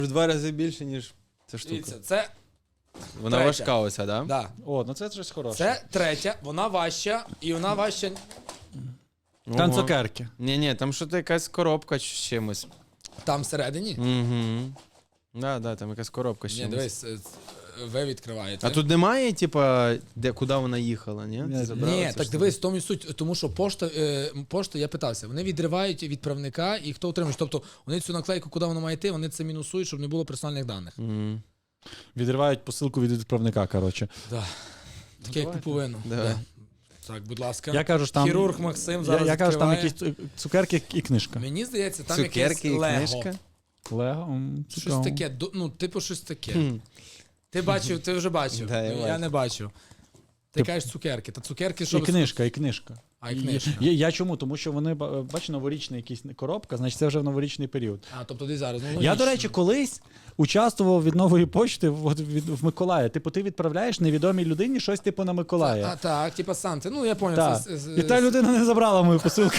В 2 рази більше, ніж ця штука. Дивіться, це Вона третя. важка оця, да? Да. О, ну це щось хороше. Це третя, вона важча, і вона важча. Там Ого. цукерки. Ні, там що-то якась коробка з чимось. Там всередині. Угу. Да, там якась коробка з Ні, чимось. дивись, ви відкриваєте. А тут немає, типа, куди вона їхала, ні? Ні, Забрала Ні, цю так штуку? дивись, в тому і суть, тому що пошта, я питався, вони відривають відправника і хто отримує. Тобто вони цю наклейку, куди вона має йти, вони це мінусують, щоб не було персональних даних. Мгм. Відривають посилку від відправника, коротше. Да. Таке як куповину. Давай. Да. Так, будь ласка. Я кажу, що там... Хірург Максим зараз Я кажу, там відкриває. якісь цукерки і книжка. Мені здається, там якесь Цукерки і Лего. книжка. Лего? Щось таке, ну, типу щось таке. Хм. Ти бачив, ти вже бачив. Да, я я бачив. не бачив. Ти кажеш цукерки. Та цукерки, що... І книжка, і книжка. А, і книжка. Я чому? Тому що вони, бачиш, новорічна якась коробка, значить це вже в новорічний період. А, тобто ти зараз. Ну, Я, логічно. до речі, колись участвував від нової почти в Миколая. Типу, ти відправляєш невідомій людині щось типу на Миколая. А, так, типа Санти. Ну, я понял. Так. Це, І та людина не забрала мою посилку.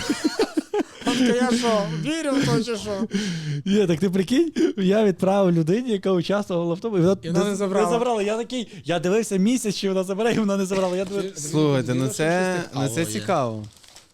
Я що, вірю в то, чи що? Ні, так ти прикинь, я відправив людині, яка участвувала в тому, І вона не забрала. Не забрала. Я такий, я дивився місяць, чи вона забере, і вона не забрала. Я дивився. Слухайте, ну Дивно, це, що щось це цікавого є. цікаво.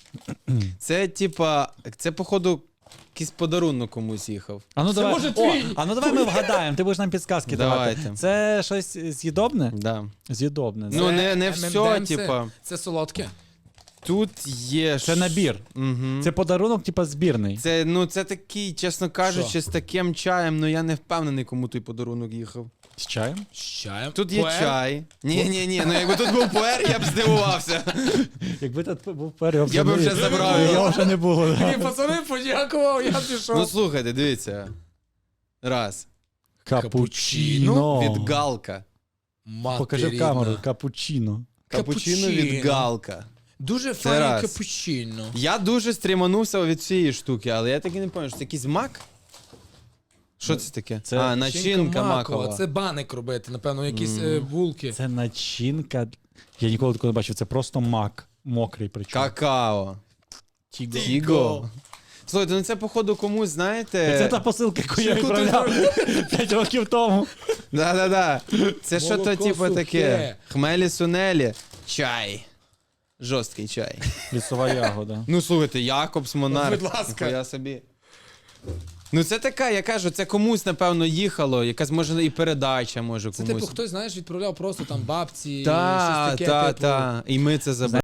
Це, типа, це, походу, якийсь подарунок комусь їхав. А ну давай, може твій? а ну давай ми вгадаємо, ти будеш нам підсказки давати. Давайте. Це щось з'їдобне? Да. З'їдобне. Ну, Це, не все, типа. Це солодке. Тут є. це набір. Угу. Це подарунок, типа, збірний. Це такий, чесно кажучи, з таким чаєм, ну я не впевнений, кому той подарунок їхав. З чаєм? З чаєм. Тут є Пуер. чай. Ні, ну якби тут був пуер, я б здивувався. Якби тут був період, Я би вже забрав його. Його вже не було. Ні, пацани, подякував, я пішов. Ну слухайте, дивіться. Раз. Капучино. Від Галка. Покажи в камеру. Капучино. Капучино від Галка. Дуже Це файне раз. капучино. Я дуже стріманувся від цієї штуки, але я так і не пам'ятаю, що це якийсь мак? Що це таке? Це начинка макова. Це баник робити, напевно, якісь булки. Це начинка. Я ніколи такого не бачив. Це просто мак. Мокрий причому. Какао. Тіго. Слухайте, ну це походу комусь, знаєте. Це та посилка, яку я Яку ти відправляв 5 років тому. Да. Це що то Молоко типу сухе. таке. Хмелі сунелі. Чай. Жорсткий чай. Лісова ягода. Ну слухайте, Якобс Монарх. Будь ласка. Ніхуя собі. Ну це така, я кажу, це комусь, напевно, їхало, якась може і передача може Це комусь. типу хтось, знаєш, відправляв просто там бабці, щось Та. таке, типу. І ми це забрали.